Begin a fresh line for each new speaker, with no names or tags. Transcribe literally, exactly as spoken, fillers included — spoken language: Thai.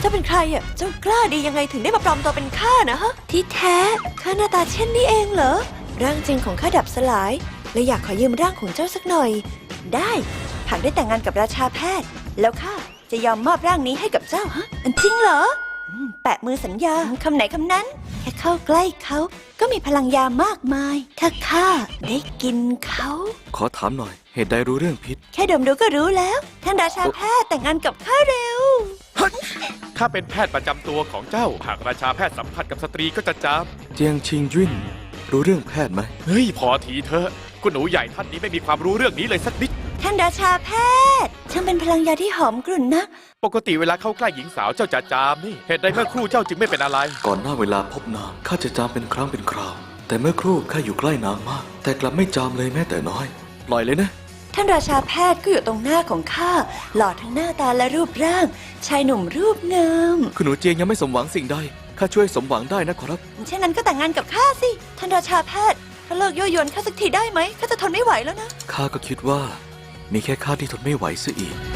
จ้าเป็นใครอ่ะเจ้ากล้าดียังไงถึงได้มาปลอมตัวเป็นข้านะฮะที่แท้ข้าหน้าตาเช่นนี้เองเหรอร่างจริงของข้าดับสลายและอยากขอยืมร่างของเจ้าสักหน่อยได้หากได้แต่งงานกับราชาแพทย์แล้วข้าจะยอมมอบร่างนี้ให้กับเจ้าฮะจริงเหรอแปะมือสัญญาคำไหนคำนั้นแค่เข้าใกล้เขาก็มีพลังยามากมายถ้าข้าได้กินเขา
ขอถามหน่อยเหตุใดรู้เรื่องพิษ
แค่ดมดูก็รู้แล้วท่านราชาแพทย์แต่งงานกับข้าเร็ว
ข้าเป็นแพทย์ประจำตัวของเจ้าหากราชาแพทย์สัมผัสกับสตรีก็จะจาม
เจียงชิงยุ่นรู้เรื่องแพทย์ไหม
เฮ้ยพอทีเถอะคุณหนูใหญ่ท่านนี้ไม่มีความรู้เรื่องนี้เลยสักนิด
ท่านราชาแพทย์ช่างเป็นพลังยาที่หอมกลุ่นนะ
ปกติเวลาเข้าใกล้หญิงสาวเจ้าจะจามนี่เหตุใดเมื่อครู่เจ้าจึงไม่เป็นอะไร
ก่อนหน้าเวลาพบนางข้าจะจามเป็นครั้งเป็นคราวแต่เมื่อครู่ข้าอยู่ใกล้นางมากแต่กลับไม่จามเลยแม้แต่น้อยปล่อยเลยนะ
ท่านราชาแพทย์ก็อยู่ตรงหน้าของข้าหล่อทั้งหน้าตาและรูปร่างชายหนุ่มรูปงาม
คุณหนูเจียงยังไม่สมหวังสิ่งใดข้าช่วยสมหวังได้นะขอรับ
เช่นนั้นก็แต่งงานกับข้าสิท่านราชาแพทย์ถ้าเลิกยั่วยวนข้าสักทีได้ไหมข้าจะทนไม่ไหวแล้วนะ
ข้าก็คิดว่ามีแค่ข้าที่ทนไม่ไหวซะอีก